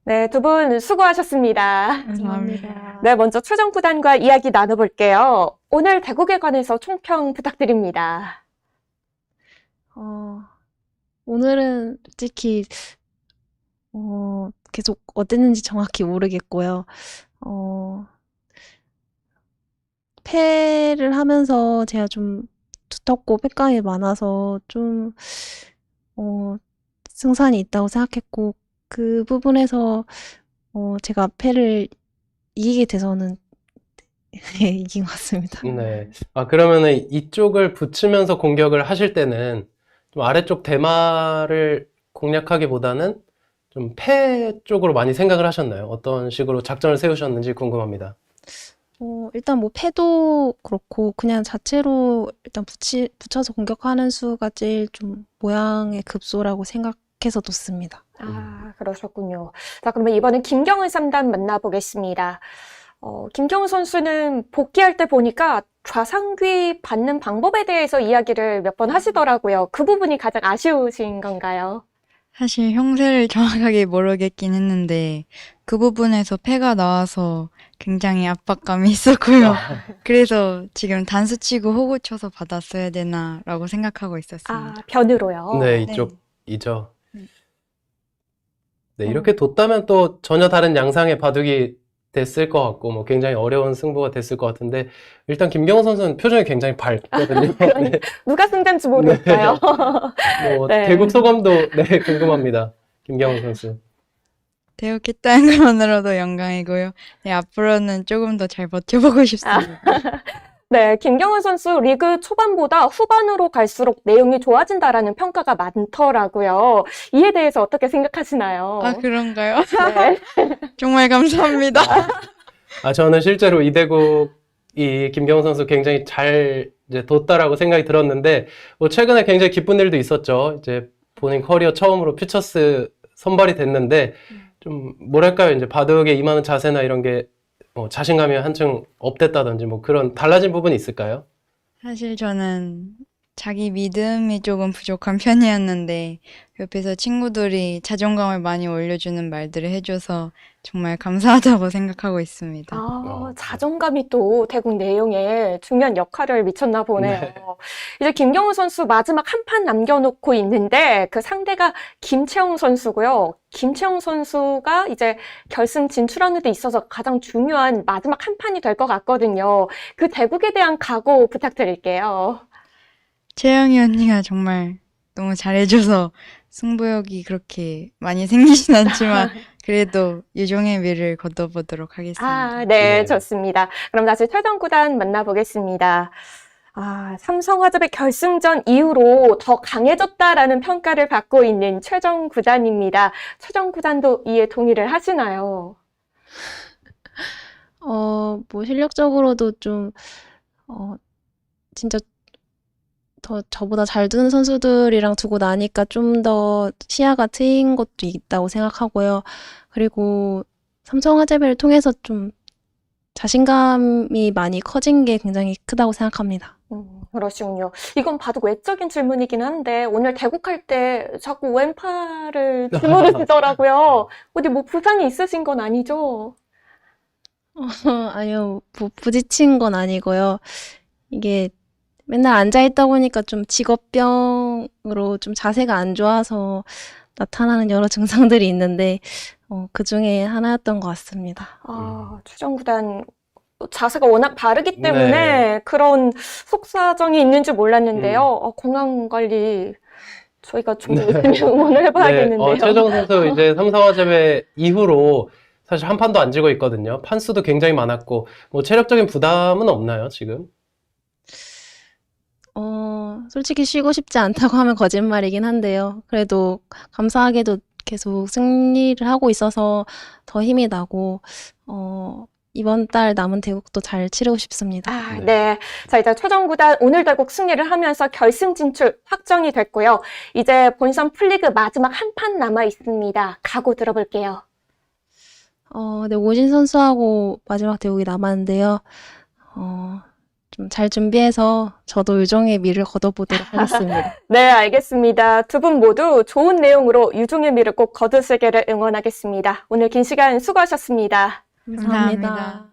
네, 두 분 수고하셨습니다. 감사합니다. 네, 먼저 최정 구단과 이야기 나눠볼게요. 오늘 대국에 관해서 총평 부탁드립니다. 어, 오늘은 솔직히, 계속 어땠는지 정확히 모르겠고요. 어, 패를 하면서 제가 좀 두텁고 패감이 많아서 좀, 어, 승산이 있다고 생각했고, 그 부분에서, 제가 패를 이기게 돼서는 이긴 것 같습니다. 네. 그러면은 이쪽을 붙이면서 공격을 하실 때는 좀 아래쪽 대마를 공략하기보다는 좀 패 쪽으로 많이 생각을 하셨나요? 어떤 식으로 작전을 세우셨는지 궁금합니다. 일단 뭐 패도 그렇고 그냥 자체로 일단 붙여서 공격하는 수가 제일 좀 모양의 급소라고 생각해서 뒀습니다. 그러셨군요. 자, 그러면 이번엔 김경은 3단 만나보겠습니다. 김경은 선수는 복귀할 때 보니까 좌상귀 받는 방법에 대해서 이야기를 몇 번 하시더라고요. 그 부분이 가장 아쉬우신 건가요? 사실 형세를 정확하게 모르겠긴 했는데 그 부분에서 패가 나와서 굉장히 압박감이 있었고요. 그래서 지금 단수 치고 호구 쳐서 받았어야 되나라고 생각하고 있었습니다. 변으로요. 네, 이쪽이죠. 네, 음. 이렇게 뒀다면 또 전혀 다른 양상의 바둑이 됐을 것 같고, 뭐 굉장히 어려운 승부가 됐을 것 같은데, 일단 김경호 선수는 표정이 굉장히 밝거든요. 네. 누가 승자인지 모르겠어요. 뭐 네. 대국 소감도 네, 궁금합니다. 김경호 선수. 대역했다는 것만으로도 영광이고요. 네, 앞으로는 조금 더 잘 버텨보고 싶습니다. 네, 김경은 선수 리그 초반보다 후반으로 갈수록 내용이 좋아진다라는 평가가 많더라고요. 이에 대해서 어떻게 생각하시나요? 아, 그런가요? 네. 정말 감사합니다. 저는 실제로 이대국이 김경호 선수 굉장히 잘 이제 뒀다라고 생각이 들었는데, 뭐 최근에 굉장히 기쁜 일도 있었죠. 이제 본인 커리어 처음으로 퓨처스 선발이 됐는데, 좀 뭐랄까요, 이제 바둑에 임하는 자세나 이런 게 뭐 자신감이 한층 업됐다든지 뭐 그런 달라진 부분이 있을까요? 사실 저는 자기 믿음이 조금 부족한 편이었는데 옆에서 친구들이 자존감을 많이 올려주는 말들을 해줘서 정말 감사하다고 생각하고 있습니다. 자존감이 또 대국 내용에 중요한 역할을 미쳤나 보네요. 네. 이제 김경훈 선수 마지막 한 판 남겨놓고 있는데 그 상대가 김채영 선수고요. 김채영 선수가 이제 결승 진출하는 데 있어서 가장 중요한 마지막 한 판이 될 것 같거든요. 그 대국에 대한 각오 부탁드릴게요. 채영이 언니가 정말 너무 잘해줘서 승부욕이 그렇게 많이 생기진 않지만 그래도 유종의 미를 거둬보도록 하겠습니다. 네, 네. 좋습니다. 그럼 다시 최종 구단 만나보겠습니다. 삼성화재의 결승전 이후로 더 강해졌다라는 평가를 받고 있는 최정 구단입니다. 최정 구단도 이에 동의를 하시나요? 뭐 실력적으로도 좀, 진짜 더 저보다 잘 두는 선수들이랑 두고 나니까 좀 더 시야가 트인 것도 있다고 생각하고요. 그리고 삼성화재배를 통해서 좀 자신감이 많이 커진 게 굉장히 크다고 생각합니다. 그러시군요. 이건 바둑 외적인 질문이긴 한데 오늘 대국할 때 자꾸 왼팔을 주무르시더라고요. 어디 뭐 부상이 있으신 건 아니죠? 아니요, 뭐 부딪힌 건 아니고요. 이게 맨날 앉아있다 보니까 좀 직업병으로 좀 자세가 안 좋아서 나타나는 여러 증상들이 있는데, 그 중에 하나였던 것 같습니다. 최정 구단 자세가 워낙 바르기 때문에 네. 그런 속사정이 있는 줄 몰랐는데요. 건강 관리 저희가 좀 열심히 응원을 해봐야겠는데요. 최정 선수 이제 삼성화재배 이후로 사실 한 판도 안 지고 있거든요. 판수도 굉장히 많았고, 뭐 체력적인 부담은 없나요, 지금? 솔직히 쉬고 싶지 않다고 하면 거짓말이긴 한데요. 그래도 감사하게도 계속 승리를 하고 있어서 더 힘이 나고, 이번 달 남은 대국도 잘 치르고 싶습니다. 네. 자, 이제 최정 구단 오늘 대국 승리를 하면서 결승 진출 확정이 됐고요. 이제 본선 풀리그 마지막 한 판 남아 있습니다. 각오 들어볼게요. 네, 오진 선수하고 마지막 대국이 남았는데요. 좀 잘 준비해서 저도 유종의 미를 거둬보도록 하겠습니다. 네, 알겠습니다. 두 분 모두 좋은 내용으로 유종의 미를 꼭 거두시기를 응원하겠습니다. 오늘 긴 시간 수고하셨습니다. 감사합니다.